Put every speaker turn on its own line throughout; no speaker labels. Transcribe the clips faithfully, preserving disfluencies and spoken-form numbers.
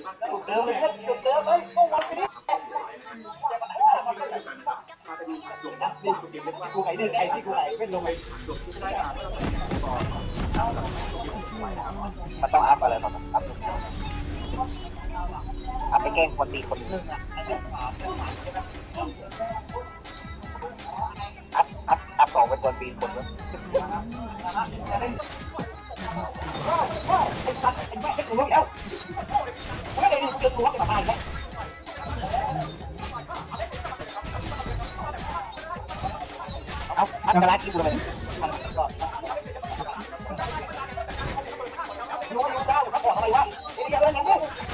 เดิมเลยจุดเดิมเลยก็วันไปดิกูไหนเดินไอ้ที่กูไหนเป็นลงไปมันต้องอัพอะไรครับอัพอัพไปแกล้งคนตีคนนึงอัพอัพอัพสองเป็นคนตีคนนึงไอ้สัตว์ไอ้แม่ไอ้กูรู้แล้วไม่ได้ดิเจอกูว่าจะมาแล้วเอาอันตรายกี่บุญเลยรู้อยู่เจ้าเขาบอกอะไรวะเดี๋ยวเรื่องนี้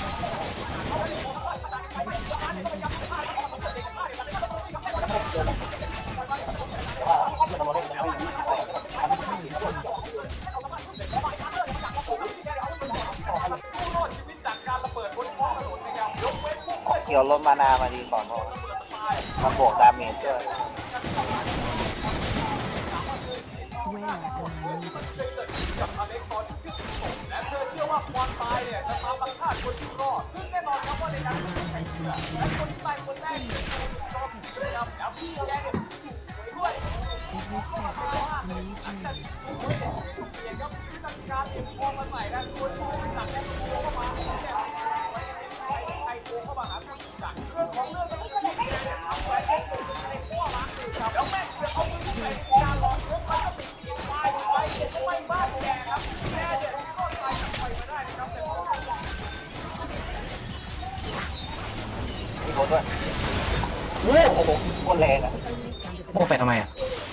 เกี่ยวลมมานามาดีก่อนเพราะมันบวกดาเมจด้วยและเธอเชื่อว่าความตายเนี่ยจะมาบังคับคนที่รอดซึ่งแน่นอนครับว่าในการแข่งขันและคนที่ตายคนแรกคือคนที่รอดนะครับแล้วพี่แกเนี่ยด้วยหลังจากที่เปลี่ยนครับจัดการเองพอมาใหม่นะตัวที่หนักแน่นโค้งเข้ามาใครโค้งเข้ามาหาคนจัดเรื่องของเรื่องมันก็ไม่ได้เอาไว้ให้คนในข้อมาครับแล้วแม่จะเอามือใส่การลองยกแล้วก็ติดเกียร์ไฟไฟเกียร์ไฟบ้านแกครับแกเนี่ยก็ไฟจากไฟมาได้นะครับแต่มีโคตรด้วยโอ้โหโคตรแรงอ่ะ
โม่แฟนทำไมอ่ะ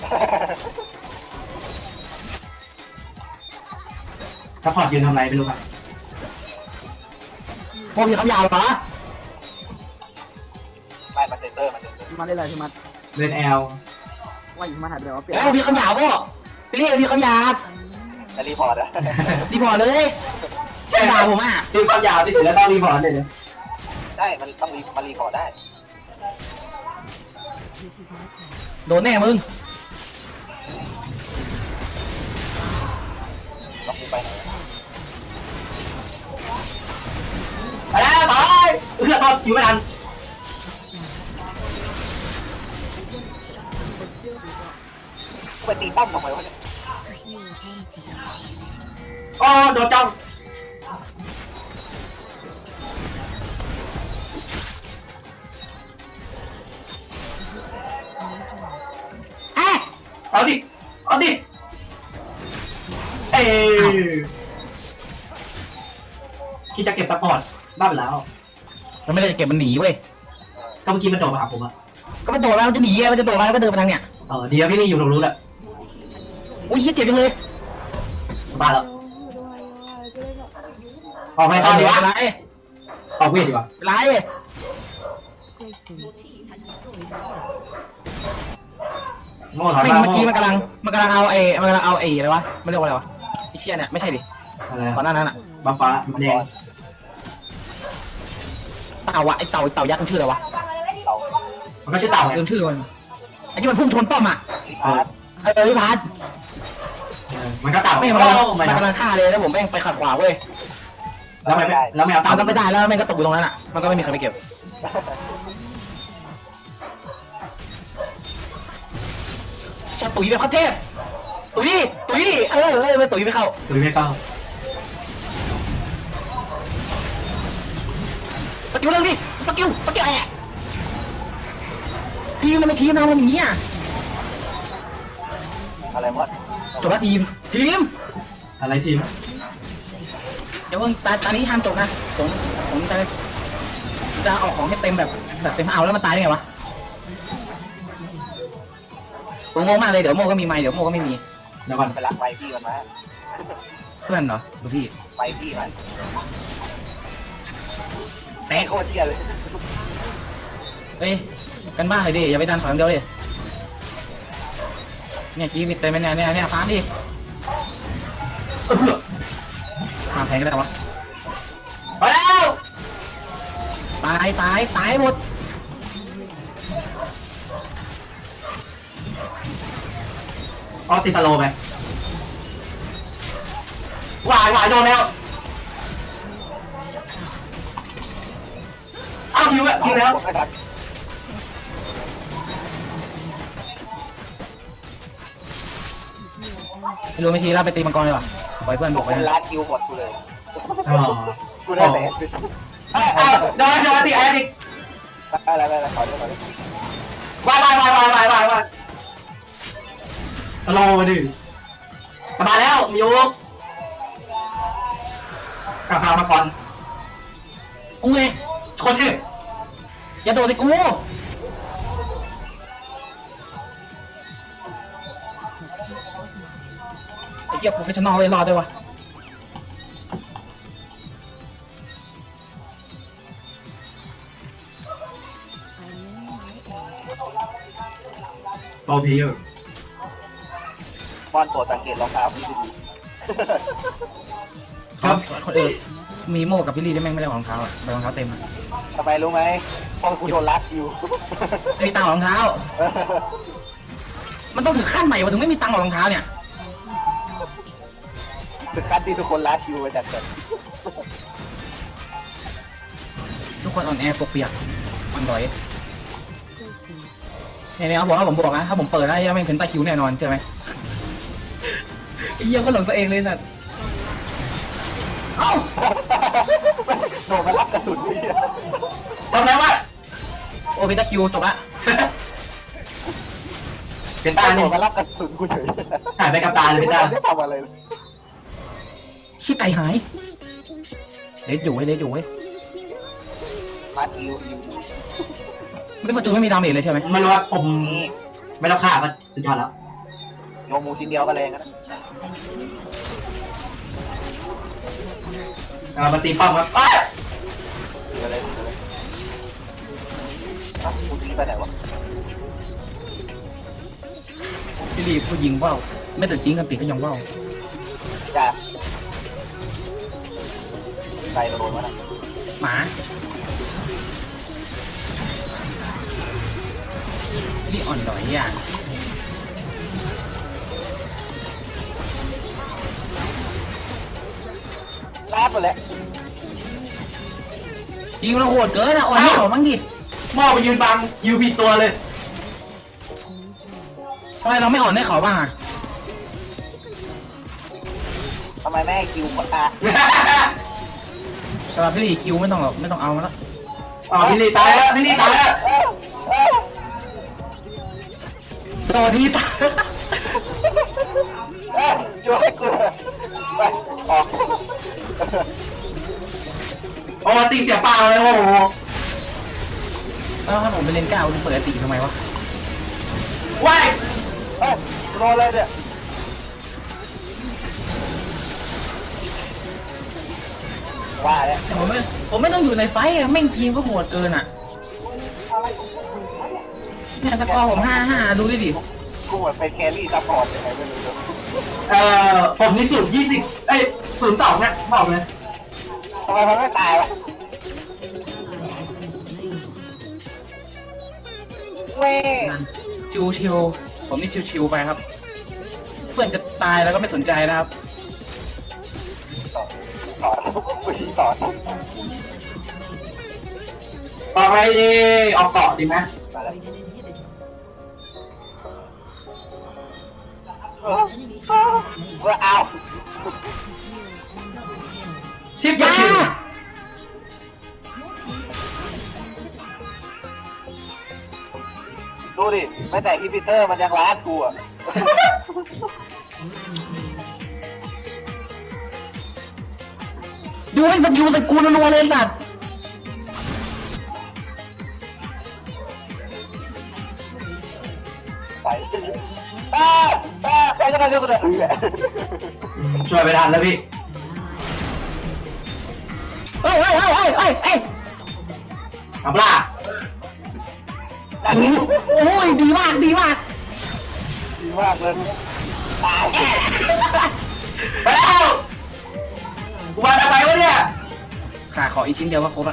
ซัพพอร์ตยืนทำอะไรไม่รู้ครับ
โม่มีคำยาวเหรอ
ไม่มาเซนเตอร์มาเซนเตอร์
มาได้เลยใช่ไหม
เล่นแอล
ว่าอยู่มาหายไปแล้วเปลี่ยน
เอ้ามีคำยาวป่ะพี่เรียกมีคำยาว
จะรีพอร์ตอะ
รีพอร์ตเลยแค่ด่าผมอ่ะ
ตีความยาวที่ถือแล้วต้องรีพอร์ตเลย
ได้มันต้องรีมารีพอร์ตได้
โดนแน่มึง
ต้องไปไหน
ไปแล้วตายเอื้อตอนอยู่ไม่ทัน
ไปตีป้อมทำไมวะเนี่ย
อ๋อโดนจ้องเอาดิเอาดิเอ้คิดจะเก็บซัพพอร์ตบ้าไปแล้ว
มันไม่ได้จะเก็บมันหนีเว้ย
ก็เมื่อกี้มันโดดมาหาผมอะ
ก็มันโดดแล้วมันจะหนีไงมันจะโดดแล้วก็เดินไปทางเนี้ย
เออดีนะพี่ลี่อยู่ตรงนู้นแหละ
อุ้ยเจ็บจังเลย
บ้าแล้วออกไปตอนดีวะ
ไร
ออกเวทดีกว่า
ไรไม่เมื่อกี้มันกำลังมันกำลังเอาเอมันกำลังเอาเออะไรวะไม่เรียกว่าอะไรวะไอเชี่ยเนี่ยไม่ใช่ดิก่อนหน้านั้นอะ
บ้าฟ้าแดง
เต่าอะไอเต่าเต่ายักษ์มันชื่ออะไรวะ
มันก็ชื่อเต่า
เรื่องชื่อมันไอที่มันพุ่งชนป้อมอะเออพี่พัด
มันก็เต่า
ไม่มันกำลังมันกำลังฆ่าเลยแล้วผมแม่งไปขัดขวางเว้ย
แล้วไม่แล้วไม่เอาเต่า
ก็ไม่ได้แล้วแม่งก็ตกอยู่ตรงนั้นอะมันก็ไม่มีใครไปเก็บจะตุ๋ยแบบขั้นเทพตุ๋ยตุ๋ยดิเออเออไม่ตุ๋ยไม่เข้า
ตุ๋ยไม่เข้า
สกิลเรื่องดิสกิลสกิลแอะทีมมันไม่ทีมเรามันอย่างนี้อ่ะ
อะไรวะ
จบแล้วทีมทีม
อะไรทีม
เดี๋ยวเพิ่งตาตานี้ห้ามจบนะผมผมจะจะออกของให้เต็มแบบแบบเต็มเอาแล้วมันตายได้ไงวะผมงงมากเลยเดี๋ยวโมก็มีไม้เดี๋ยวโมก็ไม่มี
เดี๋ยวก่อนไปรักไปพี่กันมา
เพื่อนเหรอดูพี่
ไปพี่มัน
แตก
โคตรเที่ยเลย
เฮ้ยกันบ้านเลยดิอย่าไปดันถอยเดียวดิเนี่ยชีวิตเต็มไปเนี่ยเนี่ยเนี่ยฟ้าดิทำแทงก็ได้วะ
ไปแล้ว
ตายตายตายหมด
อ๋อติดสโลว์ไปวายวายโดนแล้วเอาฮิวอะฮิวแล้ว
ไม่ทัน
ไม่รู้ไม่ทีเราไปตีมังกรเลยว่ะปล่อยเพื่อนบ
ทุ
อก ก
ค
ไป
น
นะ
ร้านคิวหมดกูเลย
อ๋อ
กูได้แต่
เอ้ยเอ้ยโดนโดนตีไอ้ดิ
อะไรอะไรอะไรขอเดี๋ยวขอเดี๋ยว
วายวายวายวายวายวายวายรอมาดิกลับมาแล้วมิวกลับมาก่อน
กูไง
โคตรเท่
อย่าโดดสิกูไอ้เหี้ยโปรเฟชชั่นอลเลยรอดด้วยวะ
โอพีอยู่
บอลตัวสังเกตรองเท้าพี่ดี
ครับคนอื่นมีโม่กับพี่ลีได้แม่งไม่ได้รองเท้าอ่ะใบรองเท้าเต็มอ่ะ
ทำไมรู้ไหมเพราะกูโดนรัดอยู่
ไม่มีตังค์หรอกรองเท้า มันต้องถึงขั้นใหม่วะถึงไม่มีตังค์หรอกรองเท้าเนี่ย
ถึงขั้นที่ทุกคนรัดอยู่ไปจากเกิด
ทุกคนอ่อนแอปกเปียกอ่อนดอยเนี่ยเนี่ยเขาบอกว่าผมบอกนะถ้าผมเปิดได้ยังไม่เป็นตาคิวแน่นอนใช่ไหมไอ้เหี้ยก็หลงตัวเองเลยสัตว์เอ้า
โดนมารับกระสุนพี่
จำได้ว่า
โอ้เป็นตาคิวจบละ
เป็นตา
โด
เนี่ย
นมารับกระสุนกูเฉย
หายไปกับตาเลยเป็นตา
ไม่ทำอะไรเลย
ขี้ไก่หายเล็ดอยู่เว้ยเล็ดอยู่เว้ย
มาคิวคิว
ไม่ประตูไม่มีดาเมจเลยใช่ไหม
ไม่รู้ว่าผม
นี่
ไม่ต้องฆ่าก็สุดยอดแล้ว
โยมูชิ้นเดียวก็แรงนะ
เออมาตีป้อมครับอ้าว
เดี๋ยวเลยเดี๋ยวเลยอ้าวกูทิ้งไปไหนวะ
พี่ลีผู้ยิงว่าวไม่แต่จริงกันติก็ยังว่าว
จ้าใครโดนวะนะ
หมาพี่อ่อนดอยอ่ะ
ลาบไปแล้ว
ยิงเราโหดเกินอ่ะอ่อนไม่เขาบ้างดิ
หม้อไปยืนบังยิวผิดตัวเลย
ทำไมเราไม่อ่อนให้เขาบ้างอ่ะ
ทำไมแม่ให้คิวคนตา
สำหรับพี่ลีคิวไม่ต้องหรอกไม่ต้องเอาแล้ว
อ๋อพี่ลีตายแล้วพี่ลีตายแล้ว
ต่อที่ตา
เอ้ยช่วยกูไปออก
โอ้ตีเสียเปล่าเลยโอ้โห
แล้วถ้าผมไปเล่นก้าวจะเปิดตีทำไมวะ
ว้าย
เฮ้ยโดนเลยเนี่ยว่าแล้ว
แต่ผมไม่ผมไม่ต้องอยู่ในไฟท์อะแม่งทีมก็โหดเกินอ่ะเนี่ยสกอร์ผมห้าห้าดูดิดิ
กูเหมือนเป็นแครี่ซัพพอร์ตยังไงไม่รู้เลย
เอ่อผมนี่สูตรยี่สิบเอ้ยศูนย์สองนะบอกเลย
ทำไมมันไม่ตายวะเว้ย
ชิวชิวๆผมนี่ชิวชิวๆไปครับ เพื่อนจะตายแล้วก็ไม่สนใจนะครับ
สอนกูชี้สอน
ออกอะไรดีออกเกาะดีไหม
มาแล้วเว้ยเอา
ชิป
อย่า
คิว
ดูดิไม่แต่ฮิปเตอร์มันยังร้านกูอ่ะ
ดูไอ้สกิลสกูนัวๆเลยสัตว์
ไปอ้าอ้าใครก็ได้ช่วยกูหน่อยเออ
ช่วยไปทันแล้วพี่
เฮ้ยเฮ้ยเฮ้ยเฮ้ยเฮ้ยเฮ้ย
เอาปล่า
โอ้โหโอ้ยดีมากดีมาก
ดีมากเลยตาย
ไปแล้วกูมาทำไมวะเนี่ย
ขาขออีกชิ้นเดียวก็ครบละ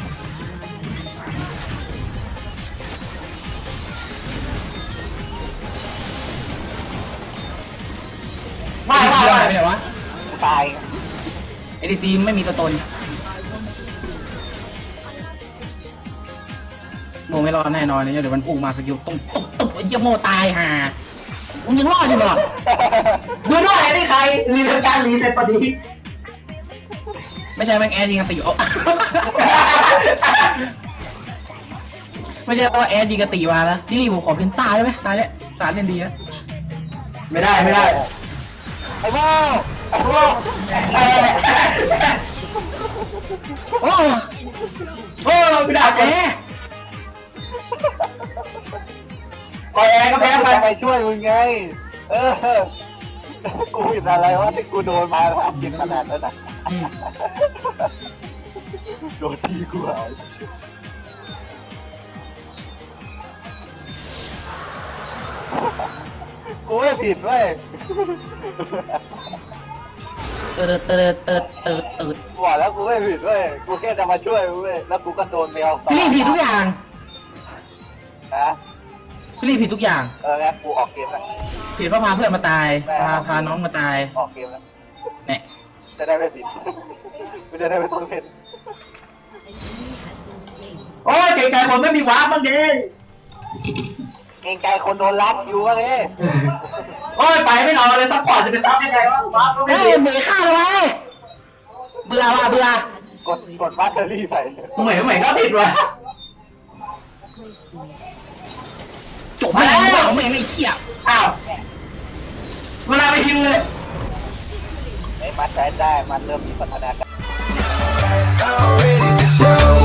ไม่ไม่
หายไป
ไม่
ไหนวะ
ตาย
เอดีซีไม่มีตัวตนโมไม่รอดแน่นอนเนี่ยเดี๋ยวมันพุ่งมาสกิลต้องตบตบไอ้เหี้ยโมตายห่ามึงยังรอดอยู่เหรอ
ดูด้วยไอ้นี่ใครรีเทการรีเป็นพอดี
ไม่ใช่แม่งแอร์ยิงกันตีเอา ไม่ใช่ว่าแอร์ยิงกันตีมานะนี่ผมขอเพนต้าได้ไหมตายแล้วสารเล่นดีนะ
ไม่ได้ไม่ได้
ไอ้โม่ไอ้โม่
เออ
โอ้
โอ้ไม่ได้
แอ
แอ
ร์
ปล่อยแอร์ก็แพ้ไป
จะไปช่วยมึงไง เออ กูผิดอะไรวะที่กูโดนมาทำกินขนาดนั้นอ่ะ
อืม
โดนทีกูหายกูไม่ผิดเว้ย
เติร์ดเติร์ดเติร์ดเติร์ดเติร์ด
กูบอกแล้วกูไม่ผิดเว้ย กูแค่จะมาช่วยเว้ย แล้วกูก็โดนแมวต่อ
พี่ลี่ผิดทุกอย่าง
นะ
พี่ลี่ผิดทุกอย่าง
เอองั้นกูออกเกมละ
ผิดเพราะพาเพื่อนมาตายพาพาน้องมาตาย
ออกเกมละ
เนี่ย
จะได้ไม่ผิด กูจะได้ไม่ต้องเล่น
โอ้ยเก่งใจคนไม่มีวาร์ปบ้างดิ
เกรงใจคนโดนรับอยู่วะเนี่ย
โอ้ยไปไม่รอเลยซัพพอร์ตจะไปซับยังไงวะวาร์ปก็ไม่
เฮ้ย
มี
เบื่อข้าเลยเว้ยเบื่อว่ะเบื่อก
ดกดบัตเตอรี่ใส่
เหมือนเหมือนก็ผิดว่ะ
จบไม่ได้เปล่าแม่งไอ้เหี้ย
อ้าวเวลาไปฮิวเลย
ไอ้มันใช้ได้ มันเริ่มมีพัฒนาการ
I'm ready to show